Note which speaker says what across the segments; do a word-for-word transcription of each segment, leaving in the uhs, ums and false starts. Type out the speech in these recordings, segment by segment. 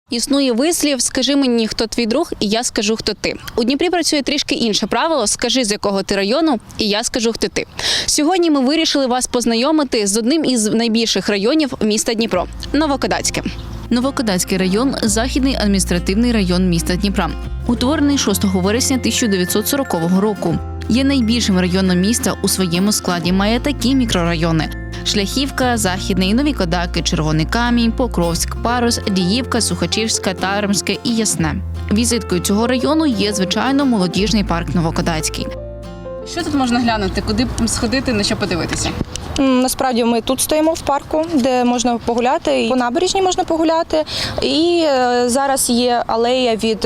Speaker 1: Існує вислів «Скажи мені, хто твій друг, і я скажу, хто ти». У Дніпрі працює трішки інше правило «Скажи, з якого ти району, і я скажу, хто ти». Сьогодні ми вирішили вас познайомити з одним із найбільших районів міста Дніпро – Новокодацьке. Новокодацький район – західний адміністративний район міста Дніпра. Утворений шостого вересня тисяча дев'ятсот сорокового року. Є найбільшим районом міста у своєму складі. Має такі мікрорайони – Шляхівка, Західний, Нові Кодаки, Червоний Камінь, Покровськ, Парус, Діївка, Сухачівська, Таремське і Ясне. Візиткою цього району є, звичайно, молодіжний парк Новокодацький. Що тут можна глянути? Куди сходити, на що подивитися?
Speaker 2: Насправді ми тут стоїмо в парку, де можна погуляти, і по набережній можна погуляти. І зараз є алея від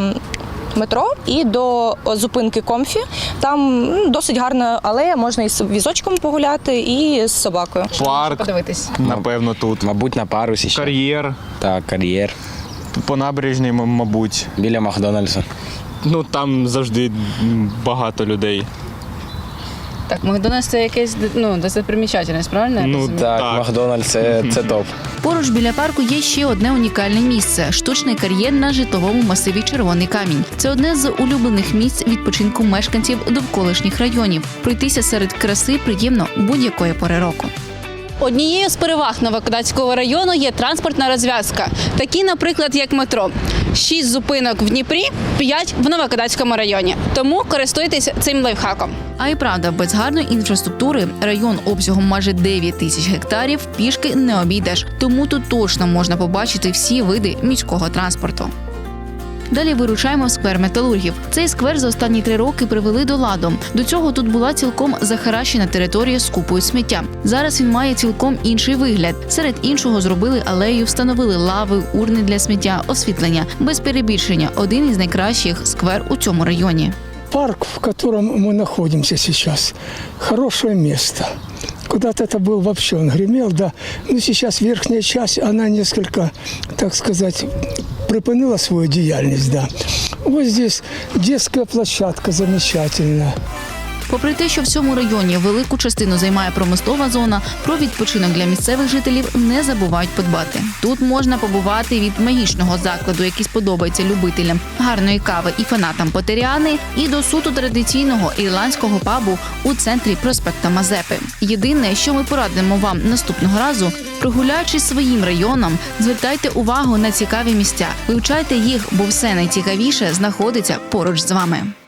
Speaker 2: метро і до зупинки Комфі. Там досить гарна алея, можна і з візочком погуляти, і з собакою.
Speaker 3: Парк,
Speaker 1: Подивитись.
Speaker 3: напевно, тут.
Speaker 4: Мабуть, на парусі ще.
Speaker 3: Кар'єр.
Speaker 4: Так, кар'єр.
Speaker 3: По набережній, м- мабуть.
Speaker 4: Біля Макдональдса.
Speaker 3: Ну, там завжди багато людей.
Speaker 1: Так, Макдональдс – це якесь, ну, достопримічательність, правильно? я
Speaker 3: Ну,
Speaker 1: розумію?
Speaker 4: Так,
Speaker 3: Так.
Speaker 4: Макдональдс це, це топ.
Speaker 1: Поруч біля парку є ще одне унікальне місце – штучний кар'єр на житловому масиві Червоний Камінь. Це одне з улюблених місць відпочинку мешканців довколишніх районів. Пройтися серед краси приємно будь-якої пори року. Однією з переваг Новокодацького району є транспортна розв'язка. Такі, наприклад, як метро. Шість зупинок в Дніпрі, п'ять в Новокодацькому районі. Тому користуйтесь цим лайфхаком. А і правда, без гарної інфраструктури район обсягом майже дев'ять тисяч гектарів пішки не обійдеш. Тому тут точно можна побачити всі види міського транспорту. Далі вирушаємо в сквер металургів. Цей сквер за останні три роки привели до ладу. До цього тут була цілком захаращена територія з купою сміття. Зараз він має цілком інший вигляд. Серед іншого зробили алею, встановили лави, урни для сміття, освітлення. Без перебільшення – один із найкращих сквер у цьому районі.
Speaker 5: Парк, в котором мы находимся сейчас, хорошее место. Куда-то это был вообще, он гремел, да. Но сейчас верхняя часть, она несколько, так сказать, припинила свою деятельность, да. Вот здесь детская площадка замечательная.
Speaker 1: Попри те, що в цьому районі велику частину займає промислова зона, про відпочинок для місцевих жителів не забувають подбати. Тут можна побувати від магічного закладу, який сподобається любителям гарної кави і фанатам Потеріани, і до суто традиційного ірландського пабу у центрі проспекта Мазепи. Єдине, що ми порадимо вам наступного разу, прогуляючись своїм районом, звертайте увагу на цікаві місця, вивчайте їх, бо все найцікавіше знаходиться поруч з вами.